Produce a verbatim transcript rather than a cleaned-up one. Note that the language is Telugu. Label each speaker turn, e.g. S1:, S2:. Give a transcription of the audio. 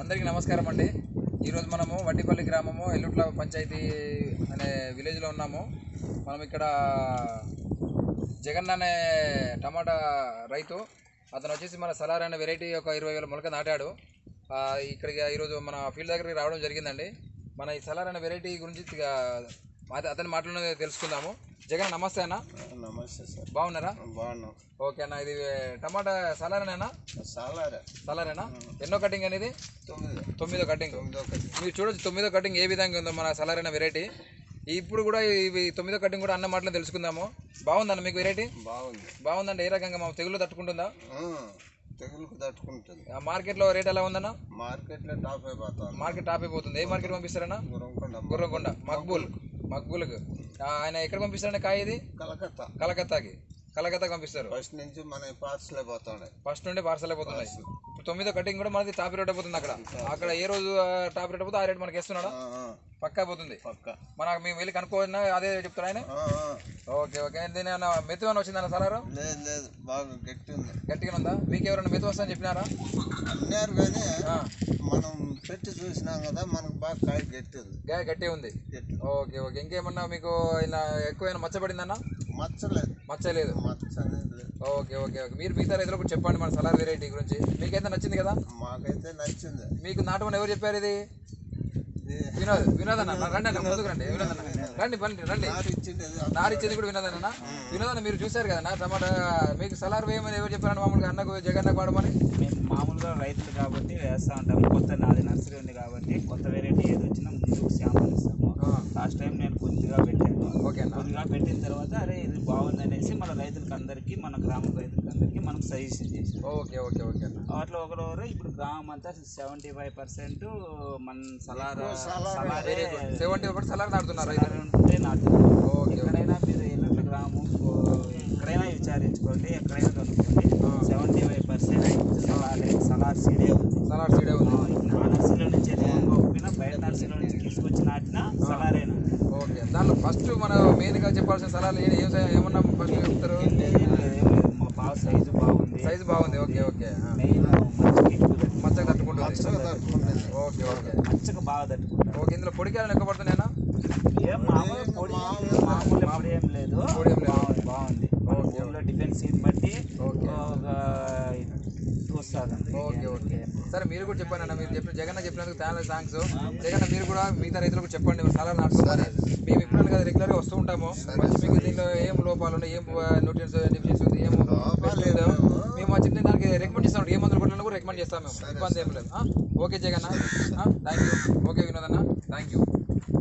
S1: అందరికీ నమస్కారం అండి. ఈరోజు మనము వడ్డిపల్లి గ్రామము ఎల్లుట్ల పంచాయతీ అనే విలేజ్లో ఉన్నాము. మనం ఇక్కడ జగన్ అనే టమాటా రైతు, అతను వచ్చేసి మన సలార్ అనే వెరైటీ ఒక ఇరవై వేల మొలక నాటాడు. ఇక్కడికి ఈరోజు మన ఫీల్డ్ దగ్గరికి రావడం జరిగిందండి. మన ఈ సలార్ అనే వెరైటీ గురించి అతని మాటలోనే తెలుసుకుందాము. జగన్ నమస్తే అన్న.
S2: నమస్తే సార్.
S1: బాగున్నారా?
S2: బాగున్నాం.
S1: ఓకే అన్న, ఇది టమాటా సలారేనా?
S2: సలారే.
S1: సలారేనా? ఎన్నో కటింగ్ అనేది?
S2: తొమ్మిది
S1: తొమ్మిదో కటింగ్.
S2: తొమ్మిదో కటింగ్.
S1: మీరు చూడొచ్చు తొమ్మిదో కటింగ్ ఏ విధంగా ఉందో మన సలార్ అనే వెరైటీ. ఇప్పుడు కూడా ఇవి తొమ్మిదో కటింగ్ కూడా అన్న మాటలు తెలుసుకుందాము. బాగుందన్న మీకు వెరైటీ?
S2: బాగుంది.
S1: బాగుందండి. ఏ రకంగా మా తెగులు తట్టుకుంటుందా?
S2: తెగులుకు తట్టుకుంటుంది.
S1: మార్కెట్లో రేట్ ఎలా ఉందన్న?
S2: మార్కెట్లో టాప్ అయిపోతుంది.
S1: మార్కెట్ టాప్ అయిపోతుంది. ఏ మార్కెట్ పంపిస్తారన్నా?
S2: గుర్రంకొండ.
S1: గుర్రంకొండ మక్బూల్. మక్బూల్కి ఆయన ఎక్కడ పంపిస్తారన్న కాయ? ఇది
S2: కలకత్తా.
S1: కలకత్తాకి కలకత్తాకి పంపిస్తారు.
S2: ఫస్ట్ నుంచి మన పార్సల్ అయిపోతున్నాయి.
S1: ఫస్ట్ నుండి పార్సల్ అయిపోతున్నాయి. తొమ్మిదో కటింగ్ కూడా మనది టాప్ రేట్ అయిపోతుంది. అక్కడ అక్కడ ఏ రోజు టాప్ రేట్ అయిపోతే ఆ రేట్ మనకి వేస్తున్నాడా? పక్కా అయిపోతుంది. మనకు మేము వెళ్ళి కనుక్కోవన్నా అదే చెప్తారు ఆయన. Okay okay. దీని ఏమన్నా మెత్తు ఏమైనా వచ్చిందన్న సలారు?
S2: లేదు లేదు, బాగా గట్టి ఉంది.
S1: గట్టిగా ఉందా? మీకు ఎవరైనా మెత్తు వస్తుందని చెప్పినారా?
S2: అన్నారు కానీ మనం పెట్టి చూసినాం కదా, మనకు బాగా కాయ గట్టి ఉంది.
S1: గాయ గట్టి ఉంది. Okay okay. ఇంకేమన్నా మీకు ఇలా ఎక్కువైనా మచ్చబడిందన్న?
S2: మచ్చలేదు.
S1: మచ్చలేదు.
S2: మచ్చ అనేది లేదు.
S1: Okay okay okay. మీరు మిగతా రైతులకు కూడా చెప్పండి మన సలార్ వెరైటీ గురించి. మీకైతే నచ్చింది కదా?
S2: మాకైతే నచ్చింది.
S1: మీకు నాటమని ఎవరు చెప్పారు? ఇది వినోద్. వినోద్ అన్న రండి అన్న, ముందుకు రండి. వినోద్ అన్న రండి రండి రండి. నారిచ్చింది కూడా వినోద్ అన్న. వినోద్ అన్న మీరు చూసారు కదా టమాటా, మీకు సలార్ వేయమని ఎవరు చెప్పారండి? మామూలుగా అన్నకు జగన్నకు వాడమని.
S3: మేము మామూలుగా రైతులు కాబట్టి వేస్తూ ఉంటాము. కొత్త నాది నర్సరీ ఉంది కాబట్టి కొత్త వెరైటీ ఏది వచ్చినా ముందు శాంపుల్ ఇస్తాము. లాస్ట్ టైం నేను కొద్దిగా పెట్టాను.
S1: ఓకే.
S3: కొద్దిగా పెట్టిన తర్వాత అరే ఇది బాగుంది అనేసి మన రైతులకి అందరికీ, మన గ్రామ రైతులకి అందరికీ మనకు సజెషన్ చేసాం.
S1: ఓకే ఓకే ఓకే అన్న.
S3: వాటిలో ఒకరు ఇప్పుడు గ్రామం అంతా సెవెంటీ ఫైవ్ పర్సెంట్ మన సలార్
S1: సెవెంటీ పర్సెంట్ సలార్ నాటుతున్నారు.
S3: ఉంటే నాటుతున్నారు. ఎక్కడైనా మీరు ఎల్లట్ల గ్రామం ఎక్కడైనా విచారించుకోండి, ఎక్కడైనా కనుక్కోండి. సెవెంటీ ఫైవ్ పర్సెంట్ సలారే సలార్ సీడే ఉంది.
S1: సలార్ సీడే ఉంది.
S3: ఆ నర్సరీలో నుంచి ఎదుగుపోయినా బయట నర్సరీలో నుంచి తీసుకొచ్చి నాటిన సలారేనా.
S1: ఓకే. దాంట్లో ఫస్ట్ మనం మెయిన్గా చెప్పాల్సిన సలార్లు ఏం ఏమన్నా ఫస్ట్ చెప్తారు?
S3: బాగా సైజు బాగుంది.
S1: సైజు బాగుంది. Okay okay.
S3: మెయిన్
S1: మచ్చగా తట్టుకుంటుంది. Okay okay.
S3: మచ్చగా బాగా తట్టుకుంటుంది.
S1: ఓకే. ఇందులో పొడికాయలు ఎక్కువ పడుతున్నాయినా?
S3: ఏం మామూలు పొడి మామూలు పొడి ఏం లేదు.
S1: పొడి ఏం లేదు.
S3: బాగుంది. భూమిలో డిఫెన్స్ సీన్ బట్టి వస్తుంది.
S1: Okay okay. సరే మీరు కూడా చెప్పండి అన్న. మీరు చెప్పిన జగన్ చెప్పినందుకు చాలా థ్యాంక్స్. జగన్ మీరు కూడా మిగతా రైతులకు చెప్పండి సలార్ నాటుకోమని. మేము ఇప్పుడు కదా రెగ్యులర్గా వస్తూ ఉంటాము. మంచి మీకు దీనిలో ఏం లోపాలు ఉన్నాయి, ఏం న్యూట్రియన్స్ డిఫిషియన్స్ ఉంది, ఏం లేదు, మేము మా చిన్న దానికి రికమెండ్ చేస్తాం. ఏ మందులు కొట్టాలని కూడా రికమెండ్ చేస్తాం మేము. ఇబ్బంది ఏం లేదు. Okay Jagan, thank you. Okay Vinod అన్న.